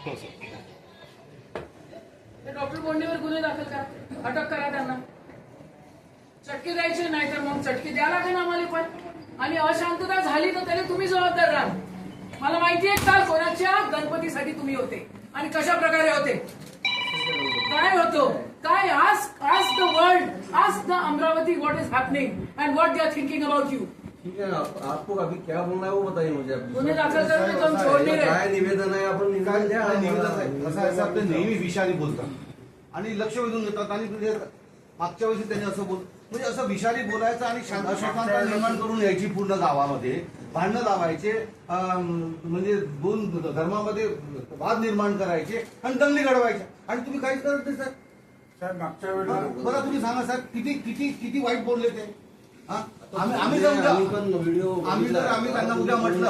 Doctor बोंडेवर गुन्हे दाखल करा, अटक करा त्यांना. चटके द्यायचे नाही तर मग चटके द्या लागेल आम्हाला पण. आणि अशांतता झाली तर त्याला तुम्ही जबाबदार राहा. मला माहिती आहे काल कोणाच्या गणपतीसाठी तुम्ही होते आणि कशा प्रकारे होते, काय होतो काय. आज द वर्ल्ड, आज the Amravati what is happening and what they are thinking about you. ठीक है, आपको अभी क्या बोलना है वो बताइए मुझे. गुन्हे दाखल करणे तुम छोड़ नहीं रहे. काय निवेदन आहे आपण निवेदन द्या. निवेदन आहे कसं आहे, आपले नेहमी विषारी बोलतात आणि लक्ष वेधून घेतात. आणि म्हणजे मागच्या वेळी त्यांनी असं म्हणजे असं विषारी बोलायचं आणि शांतता निर्माण करून यायची पूर्ण गावामध्ये भांडणं लावायचे, म्हणजे दोन धर्मामध्ये वाद निर्माण करायचे आणि दंगली घडवायच्या. आणि तुम्ही काहीच करत नाही सर. साहेब मागच्या वेळेला बघा तुम्ही सांगा सर, किती किती किती वाईट बोलले ते. आम्ही आम्ही त्यांना उद्या म्हटलं,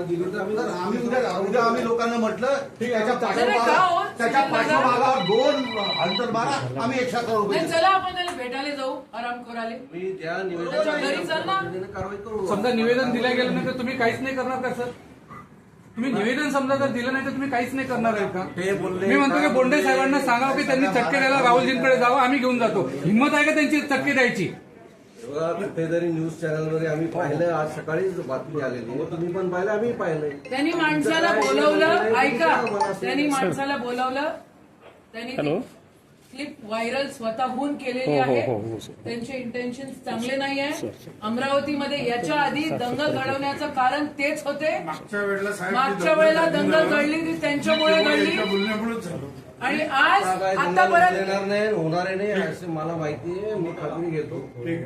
आम्ही लोकांना म्हटलं त्याच्या पाठीमागावर 2 अंतर मारा, आम्ही 100 करोड रुपये. चला आपण त्याला भेटायला जाऊ आराम करायला. मी त्या निवेदनाची कारवाई करू. समजा निवेदन दिलं गेलं नाही तर तुम्ही काहीच नाही करणार का सर? तुम्ही निवेदन समजा जर दिलं नाही तर तुम्ही काहीच नाही करणार आहे का? मी म्हणतो की बोंडे साहेबांना सांगावं की त्यांनी चटके द्यायला राहुलजींकडे जावं, आम्ही घेऊन जातो. हिंमत आहे का त्यांची चटके द्यायची? कुठेतरी न्यूज चॅनलमध्ये आम्ही पाहिलं, आज सकाळीच बातमी आलेली आहे, तुम्ही पण पाहिलं, आम्ही पाहिलंय. त्यांनी माणसाला बोलवलं, ऐका, त्यांनी माणसाला बोलवलं, त्यांनी क्लिप व्हायरल स्वतःहून केलेली आहे. त्यांचे इंटेन्शन चांगले नाही आहे. अमरावतीमध्ये याच्या आधी दंगल घडवण्याचं कारण तेच होते. मागच्या वेळेला दंगल घडली ती त्यांच्यामुळे घडली. बोलण्यामुळेच झालं. आणि आज आता परत देणार नाही, होणार नाही असं मला माहिती आहे. मी खात्री घेतो.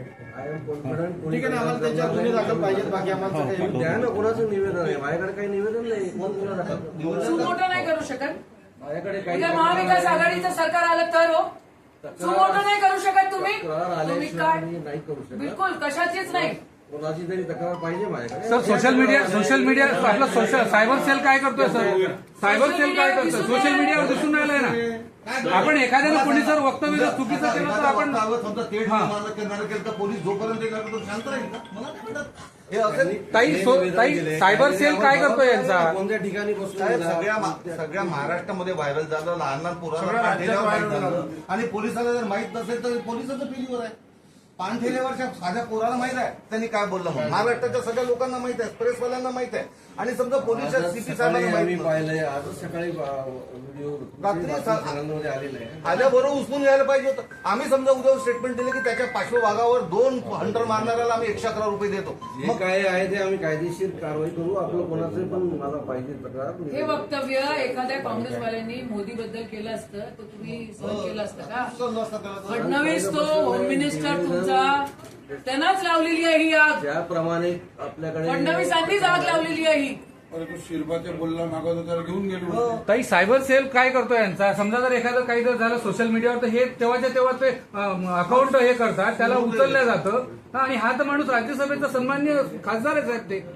I am confident. ठीक आहे ना, आम्हाला त्याच्यावर गुन्हे दाखल पाहिजेत. बाकी आम्हाला द्या ना, कोणाचं निवेदन आहे माझ्याकडे? काही निवेदन नाही. कोण गुन्हा दाखल सुमोटो नाही करू शकत. माझ्याकडे काही उद्या महाविकास आघाडीचं सरकार आलं तर हो, सुमोटो नाही करू शकत तुम्ही. तुम्ही काय नाही करू शकत. बिलकुल कशाचीच नाही. कोणाची तरी तक्रार पाहिजे माझ्याकडे. सर सोशल मीडिया आपलं सायबर सेल काय करतोय सर? सायबर सेल काय करतोय? सोशल मीडियावर दिसून राहिलंय ना. आपण एखाद्याला कोणी जर वक्तव्य जर चुकीचं केलं तर आपण समजा तेढ निर्माण करणार केलं तर पोलीस जोपर्यंत येणार तो शांत राहील का? मला काय म्हणतात हे असं. ताई सायबर सेल काय करतोय यांचा? कोणत्या ठिकाणी साहेब, सगळ्या महाराष्ट्रामध्ये व्हायरल झालं, लहान लहान पोरांना पाणठेल्यावर माहीत झालं. आणि पोलिसाला जर माहित नसेल तर पोलिसाचं फेल्युअर आहे. पाणठेल्यावरच्या साध्या पोराला माहित आहे त्यांनी काय बोललं म्हणून. महाराष्ट्राच्या सगळ्या लोकांना माहित आहे, प्रेसवाल्यांना माहित आहे. आणि समजा पोलीस सीपी साहेबांना माहिती पाहिलंय, आजच सकाळी व्हिडिओ चॅनलमध्ये आलेला आहे. आल्याबरोबर उचलून घ्यायला पाहिजे होतं. आम्ही समजा उद्या स्टेटमेंट दिले की त्याच्या पार्श्वभागावर 2 हंटर मारणाऱ्याला आम्ही 100 करोड रुपये देतो. मग काय आहे ते आम्ही कायदेशीर कारवाई करू. आपलं कोणाचं पण मला पाहिजे तक्रार. हे वक्तव्य एखाद्या काँग्रेसवाल्यांनी मोदीबद्दल केलं असतं तर तुम्ही सहन केलं असतं का? फडणवीस तो होम मिनिस्टर तुमचा, त्यांनाच लावलेली आहे ही आग. ज्याप्रमाणे आपल्याकडे फडणवीसांनीच आग लावलेली आहे ही. अरे तो शिरबाचे बोलला मागवतो त्याला घेऊन गेलो. ताई सायबर सेल काय करतोय यांचा? समजा जर एखादं काही जर झालं सोशल मीडियावर तर हे तेव्हाच्या तेव्हा ते अकाउंट हे करतात, त्याला उचललं जातं. आणि हा तर माणूस राज्यसभेचा सन्मान्य खासदार आहे साहेब. ते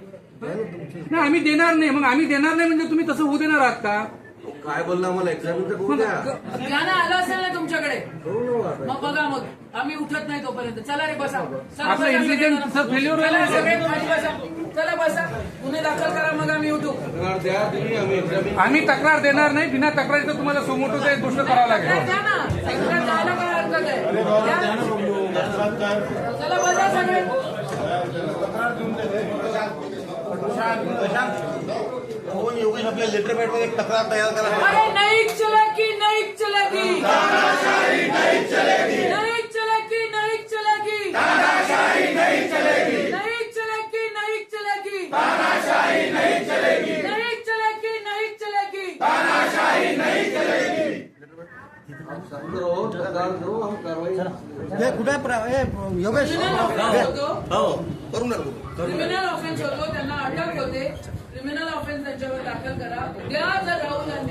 नाही आम्ही देणार नाही. मग आम्ही देणार नाही म्हणजे तुम्ही तसं होऊ देणार आहात का? काय बोलला मला एक्झामिन तर करू द्या. ज्ञान आलं असेल ना तुमच्याकडे, करू ना आता. मग बघा. मग आम्ही उठत नाही तोपर्यंत. चला रे बसा. आपलं इंटेलिजन्स फेल्युअर चला झालं. सगळे खाली बसा. चला बसा. गुन्हे दाखल करा मग आम्ही उठू. तक्रार द्या तुम्ही, आम्ही एक्झामिन. आम्ही तक्रार देणार नाही. बिना तक्रारीचं तुम्हाला सुमोटोचं एक गोष्ट करावं लागेल. द्या ना. तक्रार द्यायला काय हरकत आहे? द्या. चला बसा सगळे. योगेश आपल्या लेटर पॅड मध्ये एक तक्रार तयार करा. अरे नहीं चलेगी, नहीं चलेगी, नहीं चलेगी, नहीं चलेगी, नहीं चलेगी, नहीं चलेगी, नहीं चलेगी, नहीं चलेगी, नहीं चलेगी, नहीं चलेगी, नहीं चलेगी, नहीं चलेगी. आप शांत रहो, तक्रार दो, हम कार्रवाई. योगेश क्रिमिनल ऑफेन्स होतो, त्यांना अटक होते. क्रिमिनल ऑफेन्स त्यांच्यावर दाखल करा. उद्या जर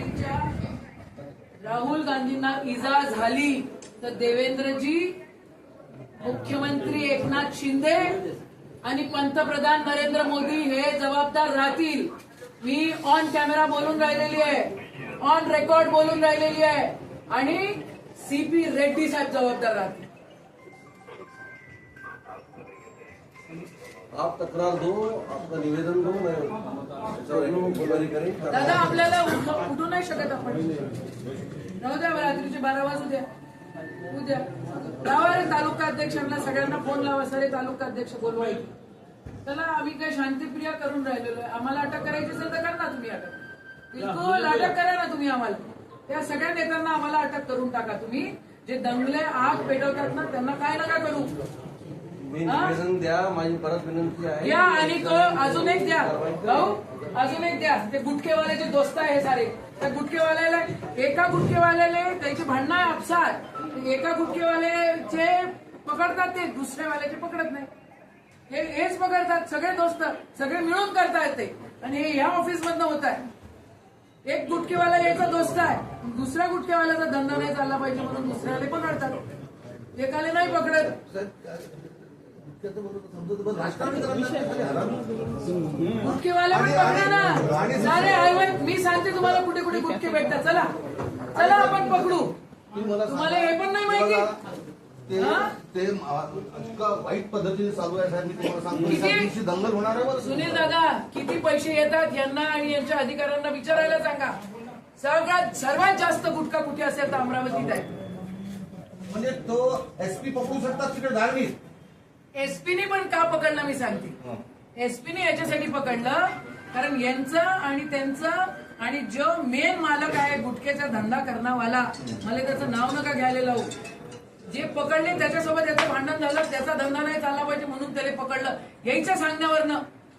राहुल गांधींना इजा झाली तर देवेंद्रजी, मुख्यमंत्री एकनाथ शिंदे आणि पंतप्रधान नरेंद्र मोदी हे जबाबदार राहतील. मी ऑन कॅमेरा बोलून राहिलेली आहे, ऑन रेकॉर्ड बोलून राहिलेली आहे. आणि सीपी रेड्डी साहेब जबाबदार राहतील. आप तक्रार दो, आपका निवेदन दो, मैं त्याच्यावर गुन्हेगारी करेन. दादा आपल्याला उठू नाही शकत आपण. राहू द्या, रात्रीचे 12 वाजू द्या, उद्या लावा रे तालुका अध्यक्षांना, सगळ्यांना फोन लावा, सारे तालुका अध्यक्ष बोलवायचे. त्याला आम्ही काय शांतिप्रिया करून राहिलेलो आहे. आम्हाला अटक करायची असेल तर करा ना तुम्ही अटक, बिलकुल अटक करा ना तुम्ही आम्हाला. त्या सगळ्या नेत्यांना आम्हाला अटक करून टाका. तुम्ही जे दंगले आग पेटवतात ना त्यांना काय नका करू. मी निवेदन द्या, माझी परत विनंती आहे. द्या आणि तो अजून एक द्या भाऊ, अजून एक द्या. ते गुटखेवाल्याचे दोस्त आहे सारे, त्या गुटखेवाल्याला एका गुटखेवाल्याने त्याची भांडणं आहे आपसात, एका गुटखेवाल्याचे पकडतात ते दुसऱ्यावाल्याचे पकडत नाही. हेच पकडतात सगळे दोस्त, सगळे मिळून करतायत ते. आणि हे ह्या ऑफिस मधनं होत आहे. एक गुटखेवाला याचा दोस्त आहे, दुसऱ्या गुटखेवाल्याचा धंदा नाही चालला पाहिजे म्हणून दुसऱ्याला पकडतात, एकाला नाही पकडत. गुटखेवाले पण पकडा ना सारे. मी सांगते तुम्हाला कुठे कुठे गुटखे भेटतात. चला चला आपण पकडू. तुम्हाला हे पण नाही माहिती. ते इतका वाईट पद्धतीने चालू आहे साहेब. मी तुम्हाला सांगतो किती? एका दिवशी दंगल होणार आहे बरं. सुनील दादा किती पैसे येतात यांना आणि यांच्या अधिकाऱ्यांना विचारायला सांगा. सर्वात जास्त गुटखा कुठे असेल तर अमरावतीत आहे. म्हणजे तो एसपी पकडू शकतात तिकडे धार्मिक. एसपीने पण का पकडलं मी सांगते. एसपीने याच्यासाठी पकडलं कारण यांचं आणि त्यांचं आणि जो मेन मालक आहे गुटख्याचा धंदा करणावाला, मला त्याचं नाव नका घ्यायला लावू, जे पकडले त्याच्यासोबत याचं भांडण झालं, त्याचा धंदा नाही चालला पाहिजे म्हणून त्याला पकडलं. यायच्या सांगण्यावरनं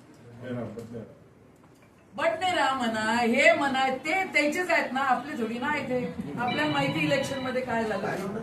बटनेरा म्हणा, हे म्हणा, ते त्याचेच आहेत ना, आपले थोडी ना आहे ते. आपल्याला माहिती इलेक्शन मध्ये काय झालं.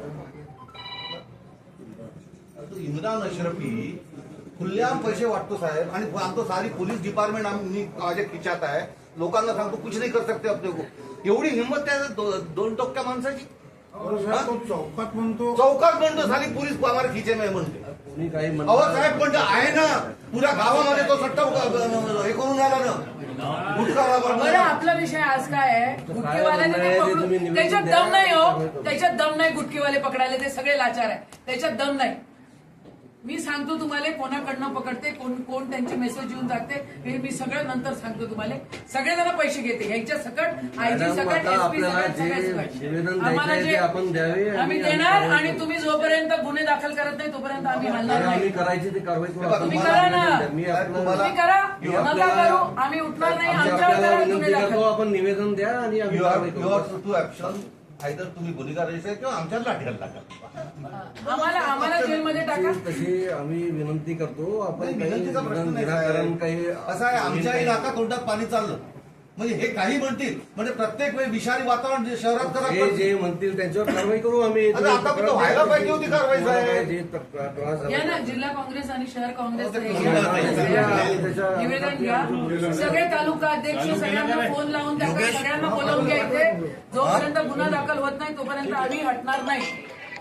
इम्रान अशरफी खुल्लेआम पैसे वाटतो साहेब आणि आमचं सारी पोलीस डिपार्टमेंट आम्ही माझ्या खिचात आहे. लोकांना सांगतो कुछ नाही कर सकते अपने को. एवढी हिंमत त्या दोन टोक्या माणसाची. चौकात म्हणतो, चौकात म्हणतो साली पोलीस हमारे खिचे में म्हणते. कोणी काही अहो म्हणत साहेब पण आहे ना, पुऱ्या गावामध्ये तो सट्टा हे करून आला ना. बरं आपला विषय आज काय आहे. गुटखेवाल्याने ते पकडून, त्याच्यात दम नाही हो, त्याच्यात दम नाही. गुटखेवाले पकडायला ते सगळे लाचार आहे, त्याच्यात दम नाही. मी सांगतो तुम्हाला कोणाकडनं पकडते, कोण त्यांचे मेसेज येऊन जाते हे मी सगळं नंतर सांगतो तुम्हाला. सगळेजण पैसे घेते ह्याच्या सकट, आयजी सकट, एसपी सकट, सगळ्या सकट. आम्हाला जे आपण द्यावे आम्ही देणार आणि तुम्ही जोपर्यंत गुन्हे दाखल करत नाही तोपर्यंत आम्ही हलणार आम्ही नाही. करायची ती कारवाई करू. तुम्ही करा ना, मी तुम्ही करा, नका करू, आम्ही उठणार नाही. आमच्यावर करा गुन्हे विनंती करतो, दाखल. आपण निवेदन द्या आणि आम्ही कारवाई करू. टू ऍक्शन आयदर तुम्ही गुन्हेगार रजिस्टर किंवा आमच्यात लाठीहाल टाका. आम्हाला जेलमध्ये टाका. तशी आम्ही विनंती करतो. आपण काही विनंतीचा प्रश्न नाही निराकरण साहेब. काही असं आहे, आमच्या इलाका तोंडात पाणी चाललं म्हणजे हे काही म्हणतील म्हणजे प्रत्येक वेळी विषारी वातावरण जे शहरात करा. हे जे म्हणतील त्यांच्यावर कारवाई करू आम्ही. अरे आता पण व्हायला पाहिजे होती कारवाई साहेब. या ना जिल्हा काँग्रेस आणि शहर काँग्रेस त्याच्या- निवेदन घ्या. सगळे तालुका अध्यक्ष सगळ्यांना फोन लावून टाका, सगळ्यांना बोलावून घ्यायचे. जोपर्यंत गुन्हा दाखल होत नाही तोपर्यंत आम्ही हटणार नाही.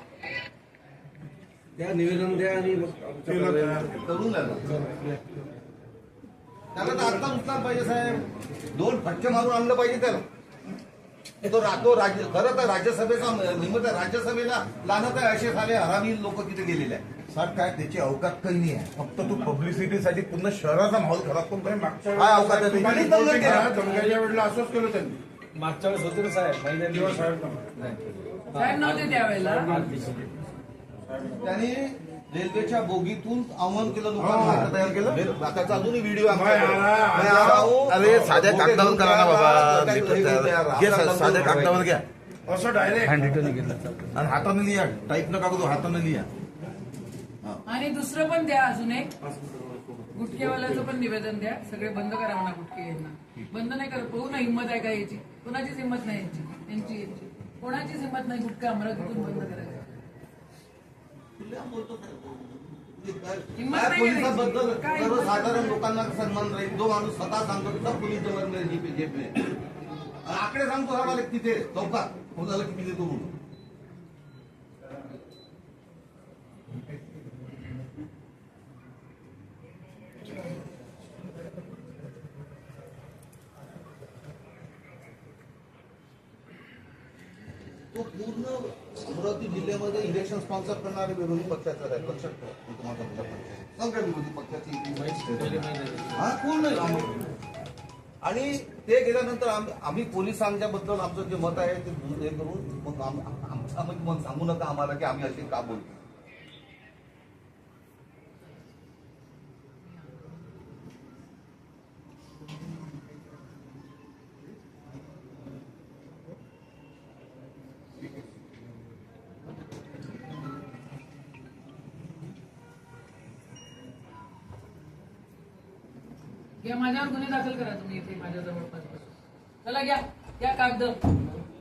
त्या निवेदन द्या आणि मग आमच्या कारवाई करून द्या. त्याला तर आता उचलायला पाहिजे साहेब. 2 फटके मारून आणलं पाहिजे त्याला. खरं तर राज्यसभेचा निमित्त राज्यसभेला लानत आहे. असे झाले हरामी लोक तिथे गेलेले आहेत. साठ काय त्याची अवकात काही नाही आहे. फक्त तू पब्लिसिटीसाठी पूर्ण शहराचा माहोल खराब करतोय. मागच्या काय अवकात आहे वेळेस त्याची? दंगल केला. दंगलीच्या वेळेला असंच केलं त्यांनी. मागच्या वेळेस होते ना साहेब, महिन्यात तेव्हा साहेब नव्हते. साहेब नव्हते त्यावेळेला. त्यांनी रेल्वेच्या बोगीतून आव्हान केलं, लोकांना तयार केलं. त्याचा अजूनही व्हिडिओ आहे. अरे साध्या कागदावर करा ना बाबा. घे साध्या कागदावर घ्या असं डायरेक्ट हँड रिटर्न घेतला. आणि हाताने लिहा. टाईप नका करू, हाताने लिहा. आणि दुसरं पण द्या अजून एक. गुटखेवाल्याचं पण निवेदन द्या. सगळे बंद करा म्हणा गुटखे यांना. बंद नाही करत. पाहू ना हिंमत आहे का याची. कोणाचीच हिंमत नाही यांची. कोणाचीच हिंमत नाही गुटखा अमरावतीतून बंद करायचं. हिंमत नाही पोलिसांबद्दल काय? सर्वसाधारण लोकांना सन्मान राहील. जो माणूस स्वतः सांगतो की सब पोलीस जवळ मेरे जेब में. आकडे सांगतो आम्हाला तिथे चौकात कोणाला किती देतो म्हणून. तो पूर्ण अमरावती जिल्ह्यामध्ये इलेक्शन स्पॉन्सर करणारे विरोधी पक्षाचा आहे. लक्षात ठेवा. मी तुम्हाला सांगतो. सगळ्या विरोधी पक्षाची हा पूर्ण आणि ते गेल्यानंतर आम्ही पोलिसांच्या बद्दल आमचं जे मत आहे ते हे करून मग आमचं मत सांगू नका आम्हाला की आम्ही असे का बोलतो. घ्या माझ्यावर गुन्हे दाखल करा तुम्ही इथे माझ्या जवळपास. चला घ्या कागद.